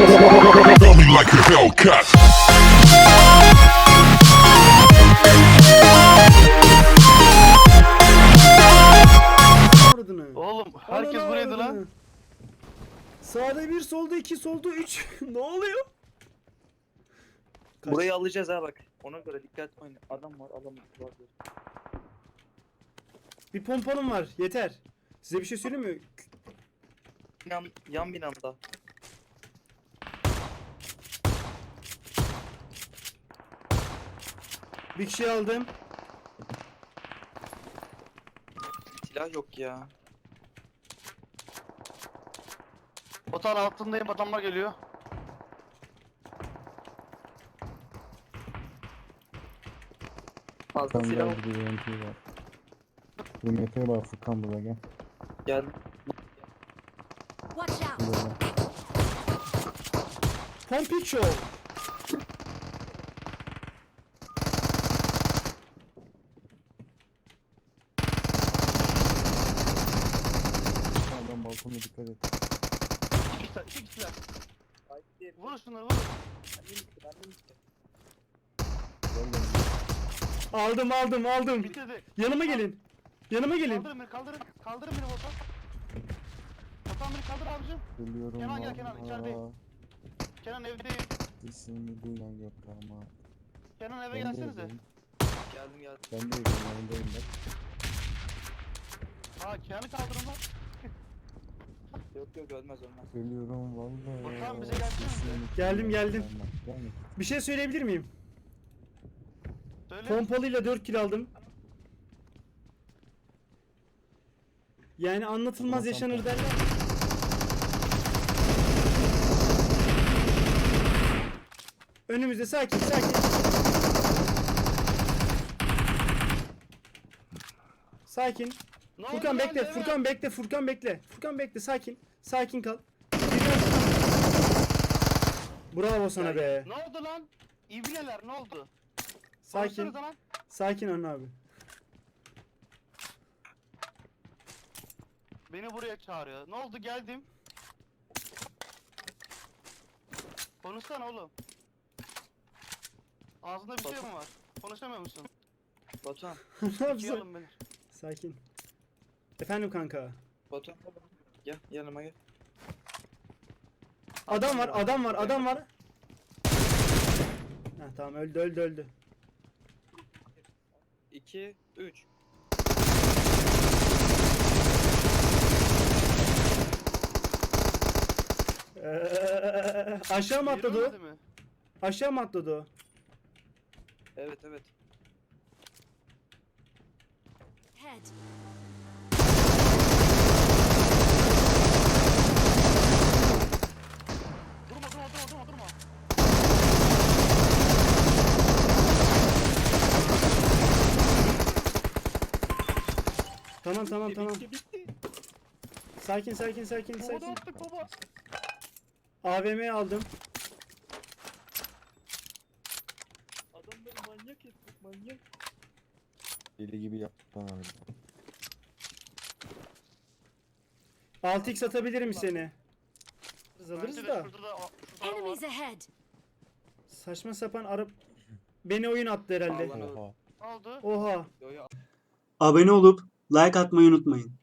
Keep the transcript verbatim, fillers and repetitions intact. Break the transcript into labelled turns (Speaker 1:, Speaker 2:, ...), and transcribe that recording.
Speaker 1: Got me like a Hellcat.
Speaker 2: Aradığını.
Speaker 3: Oğlum herkes
Speaker 2: Ananı
Speaker 3: buraydı
Speaker 2: avradını.
Speaker 3: lan.
Speaker 2: Sağda bir, solda iki, solda üç. Ne oluyor? Kaç?
Speaker 4: Burayı alacağız ha bak. Ona göre dikkatli oynayın. Adam var, adam var.
Speaker 2: Bir pompanım var. Yeter. Size bir şey söyleyeyim mi?
Speaker 4: Yan, yan binamda.
Speaker 2: Bir kişi aldım.
Speaker 4: Silah yok ya.
Speaker 3: Otağın altındayım, adamlar geliyor.
Speaker 4: Fazla
Speaker 5: Furkan
Speaker 4: silah
Speaker 5: gel,
Speaker 4: yok.
Speaker 5: bir de U M P var. U M P var Furkan, buraya gel.
Speaker 4: Gel.
Speaker 6: Watch out!
Speaker 5: Buraya.
Speaker 2: Pompiço.
Speaker 5: Adam balkona dikkat et.
Speaker 3: İki kişiler, iki kişiler.
Speaker 4: Haydi.
Speaker 3: Vurun şunları, vurun.
Speaker 5: Gel gel.
Speaker 2: Aldım aldım aldım.
Speaker 3: Bitirdi.
Speaker 2: Yanıma gelin. Yanıma gelin.
Speaker 3: Kaldırın beni, kaldırın. Kaldırın beni Otan. Otan beni kaldır abicim.
Speaker 5: Geliyorum.
Speaker 3: Kenan gel, Kenan,
Speaker 5: valla.
Speaker 3: içerideyim. Kenan evdeyim.
Speaker 5: İsmini duyan yok ama.
Speaker 3: Kenan eve
Speaker 5: Ben de
Speaker 3: gelsenize.
Speaker 5: evdeyim.
Speaker 4: Geldim geldim.
Speaker 5: Ben de evdeyim, yanındayım ben.
Speaker 3: Ha Kenan'ı kaldırın lan.
Speaker 4: Yok yok ölmez ölmez.
Speaker 5: Geliyorum valla.
Speaker 3: Furkan, bize gelsene.
Speaker 5: İsmini
Speaker 2: Geldim,
Speaker 5: duyan
Speaker 2: geldim.
Speaker 5: yok ama. Gelme.
Speaker 2: Bir şey söyleyebilir miyim?
Speaker 3: Söyle.
Speaker 2: Pompalıyla dört kill aldım. Yani anlatılmaz
Speaker 5: Tamam,
Speaker 2: yaşanır
Speaker 5: tamam.
Speaker 2: derler. Önümüzde sakin sakin. Sakin.
Speaker 3: Ne oldu
Speaker 2: Furkan
Speaker 3: lan,
Speaker 2: bekle,
Speaker 3: Levent?
Speaker 2: Furkan bekle, Furkan bekle. Furkan bekle, sakin. Sakin kal. Bravo sana be.
Speaker 3: Ne oldu lan? İbneler ne oldu?
Speaker 2: Sakin.
Speaker 3: Konuşsanıza lan.
Speaker 2: Sakin Anıl abi.
Speaker 3: Beni buraya çağırıyor. Ne oldu, geldim. Konuşsana oğlum. Ağzında bir şey mi var? Konuşamıyor musun?
Speaker 4: Batuhan.
Speaker 2: Ne
Speaker 3: İkiye
Speaker 2: yapsın?
Speaker 3: alın beni.
Speaker 2: Sakin. Efendim kanka.
Speaker 4: Batuhan. Gel yanıma gel.
Speaker 2: Adam var, adam var, adam var. Heh, tamam öldü, öldü, öldü.
Speaker 4: iki, üç.
Speaker 2: Ee, aşağı mı atladı o?
Speaker 3: Yürümedi mi?
Speaker 2: Aşağı mı atladı o?
Speaker 4: Evet evet.
Speaker 6: Head.
Speaker 3: Durma durma durma durma durma.
Speaker 2: Tamam tamam
Speaker 4: Bitti,
Speaker 2: tamam.
Speaker 4: bitti, bitti.
Speaker 2: Sakin sakin sakin
Speaker 3: Baba da
Speaker 2: sakin.
Speaker 3: attık baba.
Speaker 2: A V M'yi aldım.
Speaker 4: Adamları manyak ettik manyak.
Speaker 5: Deli gibi yaptık lan abi.
Speaker 2: altı x atabilirim seni.
Speaker 3: Bence
Speaker 2: Alırız
Speaker 3: de
Speaker 2: da.
Speaker 3: şurada da, şurada da var.
Speaker 6: Enemies ahead!
Speaker 2: Saçma sapan arı... Beni oyun attı herhalde.
Speaker 4: Allah'ım.
Speaker 5: Oha.
Speaker 3: Ne oldu?
Speaker 2: Oha.
Speaker 4: Yo yo.
Speaker 7: Abone olup like atmayı unutmayın.